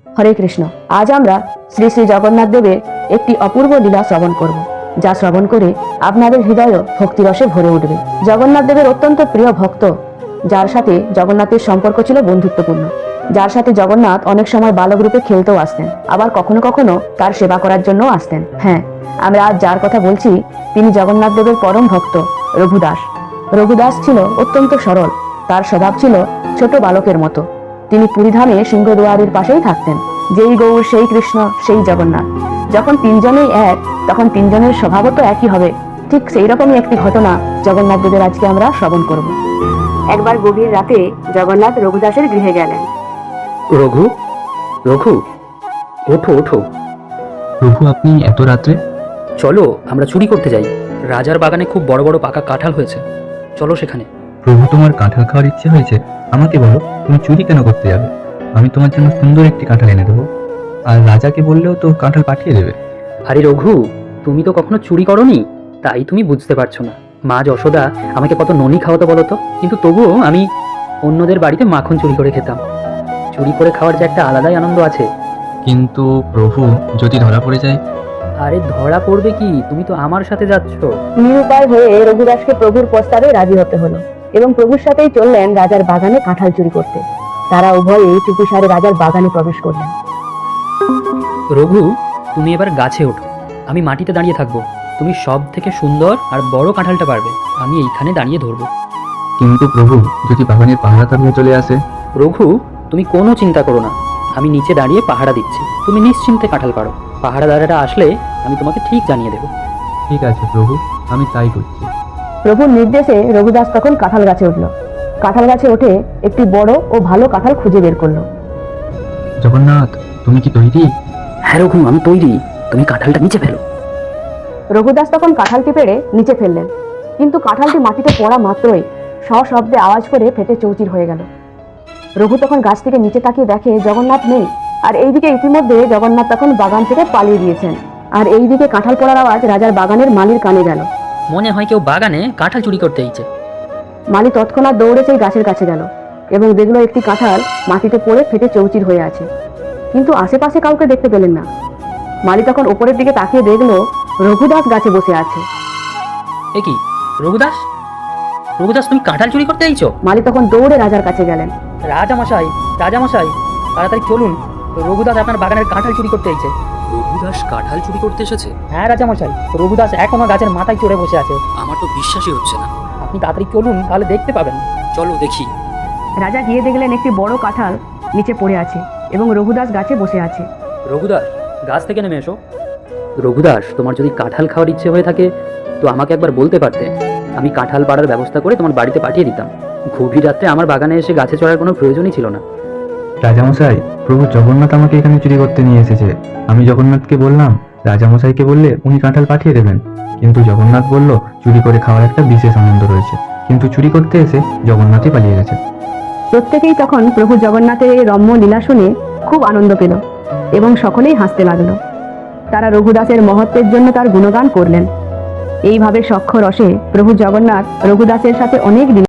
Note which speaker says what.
Speaker 1: হরে কৃষ্ণ। আজ আমরা শ্রী শ্রী জগন্নাথ দেবের একটি অপূর্ব লীলা শ্রবণ করব, যা শ্রবণ করে আপনাদের হৃদয় ভক্তিরসে ভরে উঠবে। জগন্নাথ দেবের অত্যন্ত প্রিয় ভক্ত, যার সাথে জগন্নাথের সম্পর্ক ছিল বন্ধুত্বপূর্ণ, যার সাথে জগন্নাথ অনেক সময় বালক রূপে খেলতেও আসতেন, আবার কখনো কখনো তার সেবা করার জন্য আসতেন। হ্যাঁ, আমরা আজ যার কথা বলছি তিনি জগন্নাথ দেবের পরম ভক্ত রঘুদাস। রঘুদাস ছিল অত্যন্ত সরল, তার স্বভাব ছিল ছোট বালকের মতো। তিনি পুরীধামে সিংহদুয়ারের পাশেই থাকতেন। যেই গৌর সেই কৃষ্ণ সেই জগন্নাথ। যখন তিনজনেই এক, তখন তিনজনের স্বভাবও তো একই হবে। ঠিক সেই রকমই একটি ঘটনা জগন্নাথ দেবের আজকে আমরা শ্রবণ করব। একবার গভীর রাতে জগন্নাথ রঘুদাসের গৃহে গেলেন।
Speaker 2: রঘু, রঘু, ওঠো ওঠো।
Speaker 3: প্রভু, আপনি এত রাত্রে?
Speaker 2: চলো আমরা চুরি করতে যাই। রাজার বাগানে খুব বড় বড় পাকা কাঁঠাল হয়েছে, চলো সেখানে।
Speaker 3: প্রভু, তোমার কাঁঠাল খাওয়ার ইচ্ছে হয়েছে? আমাকে বলো, তুমি চুরি কেন করতে যাবে? আমি তোমার জন্য সুন্দর একটি কাঁঠাল এনে দেবো, আর রাজাকে বললেও তো কাঁঠাল পাঠিয়ে দেবে।
Speaker 2: আরে রঘু, তুমি তো কখনো চুরি করনি, তাই তুমি বুঝতে পারছো না। মা যশোদা আমাকে কত ননি খাওয়াতো বলো তো, কিন্তু তবুও আমি অন্যদের বাড়িতে মাখন চুরি করে খেতাম। চুরি করে খাওয়ার যে একটা আলাদাই আনন্দ আছে।
Speaker 3: কিন্তু প্রভু, যদি ধরা পড়ে যায়?
Speaker 2: আরে ধরা পড়বে কি, তুমি তো আমার সাথে যাচ্ছ।
Speaker 1: নিরুপায় হয়ে রঘুদাসকে প্রভুর প্রস্তাবে রাজি হতে হলো এবং প্রভুর সাথেই চললেন রাজার বাগানে কাঁঠাল চুরি করতে। তারা উভয়ে চুপিসারে রাজার বাগানে প্রবেশ করলেন।
Speaker 2: রঘু, তুমি এবার গাছে ওঠো, আমি মাটিতে দাঁড়িয়ে থাকবো। তুমি সব থেকে সুন্দর আর বড় কাঁঠালটা পারবে, আমি এইখানে দাঁড়িয়ে ধরবো।
Speaker 3: কিন্তু প্রভু, যদি বাগানের পাহারাদার নিয়ে চলে আসে?
Speaker 2: রঘু, তুমি কোনো চিন্তা করো না, আমি নিচে দাঁড়িয়ে পাহারা দিচ্ছি, তুমি নিশ্চিন্তে কাঁঠাল পারো। পাহারাদারেরা আসলে আমি তোমাকে ঠিক জানিয়ে দেবো।
Speaker 3: ঠিক আছে প্রভু, আমি তাই করছি।
Speaker 1: প্রভুর নির্দেশে রঘুদাস তখন কাঁঠাল গাছে উঠল। কাঁঠাল গাছে উঠে একটি বড় ও ভালো কাঁঠাল খুঁজে বের করলো।
Speaker 3: জগন্নাথ, তুমি কি তৈরি?
Speaker 2: হ্যাঁ রঘু, আমি তৈরি, তুমি কাঁঠালটা নিচে ফেলো।
Speaker 1: রঘুদাস তখন কাঁঠালটি পেড়ে নিচে ফেললেন, কিন্তু কাঁঠালটি মাটিতে পড়া মাত্রই সশব্দে আওয়াজ করে ফেটে চৌচির হয়ে গেল। রঘু তখন গাছ থেকে নিচে তাকিয়ে দেখে জগন্নাথ নেই, আর এইদিকে ইতিমধ্যে জগন্নাথ তখন বাগান থেকে পালিয়ে গিয়েছেন। আর এইদিকে কাঁঠাল পড়ার আওয়াজ রাজার বাগানের মালির কানে গেল।
Speaker 2: মনে হয় কেউ বাগানে কাঁঠাল চুরি করতে এইছে।
Speaker 1: মালি তৎক্ষণাৎ দৌড়ে সেই গাছের কাছে গেল এবং দেখলো একটি কাঁঠাল মাটিতে পড়ে ফেটে চৌচির হয়ে আছে, কিন্তু আশেপাশে কাউকে দেখতে পেলেন না। মালি তখন ওপরের দিকে তাকিয়ে দেখলো রঘুদাস গাছে বসে আছে।
Speaker 2: এ কি রঘুদাস, রঘুদাস তুমি কাঁঠাল চুরি করতে এইছো?
Speaker 1: মালি তখন দৌড়ে রাজার কাছে গেলেন।
Speaker 2: রাজামশাই, রাজামশাই, তাড়াতাড়ি চলুন, রঘুদাস আপনার বাগানের কাঁঠাল চুরি করতে এইছে।
Speaker 4: রঘুদাস কাঁঠাল চুরি করতে এসেছে?
Speaker 2: হ্যাঁ রাজামশাই, রঘুদাস এখনো গাছের মাথায় চড়ে বসে আছে।
Speaker 4: আমার তো বিশ্বাসই হচ্ছে না।
Speaker 2: আপনি তাড়াতাড়ি চলুন, তাহলে দেখতে পাবেন।
Speaker 4: চলো দেখি।
Speaker 1: রাজা গিয়ে দেখলেন একটি বড় কাঁঠাল নিচে পড়ে আছে এবং রঘুদাস গাছে বসে আছে।
Speaker 2: রঘুদাস, গাছ থেকে নেমে এসো। রঘুদাস, তোমার যদি কাঁঠাল খাওয়ার ইচ্ছে হয়ে থাকে তো আমাকে একবার বলতে পারতে, আমি কাঁঠাল পাড়ার ব্যবস্থা করে তোমার বাড়িতে পাঠিয়ে দিতাম। গভীর রাত্রে আমার বাগানে এসে গাছে চড়ার কোনো প্রয়োজনই ছিল না।
Speaker 3: রাজামশাই, প্রভু জগন্নাথ আমাকে এখানে চুরি করতে নিয়ে এসেছে। আমি জগন্নাথকে বললাম রাজামশাইকে বললে উনি কাঁঠাল পাঠিয়ে দেবেন, কিন্তু জগন্নাথ বলল চুরি করে খাওয়ার একটা বিশেষ আনন্দ রয়েছে, কিন্তু চুরি করতে এসে জগন্নাথই পালিয়ে গেছে।
Speaker 1: প্রত্যেকেই তখন প্রভু জগন্নাথের এই রম্য লীলা শুনে খুব আনন্দ পেল এবং সকলেই হাসতে লাগলো। তারা রঘুদাসের মহত্বের জন্য তার গুণগান করলেন। এইভাবে সখ্য রসে প্রভু জগন্নাথ রঘুদাসের সাথে অনেক দিন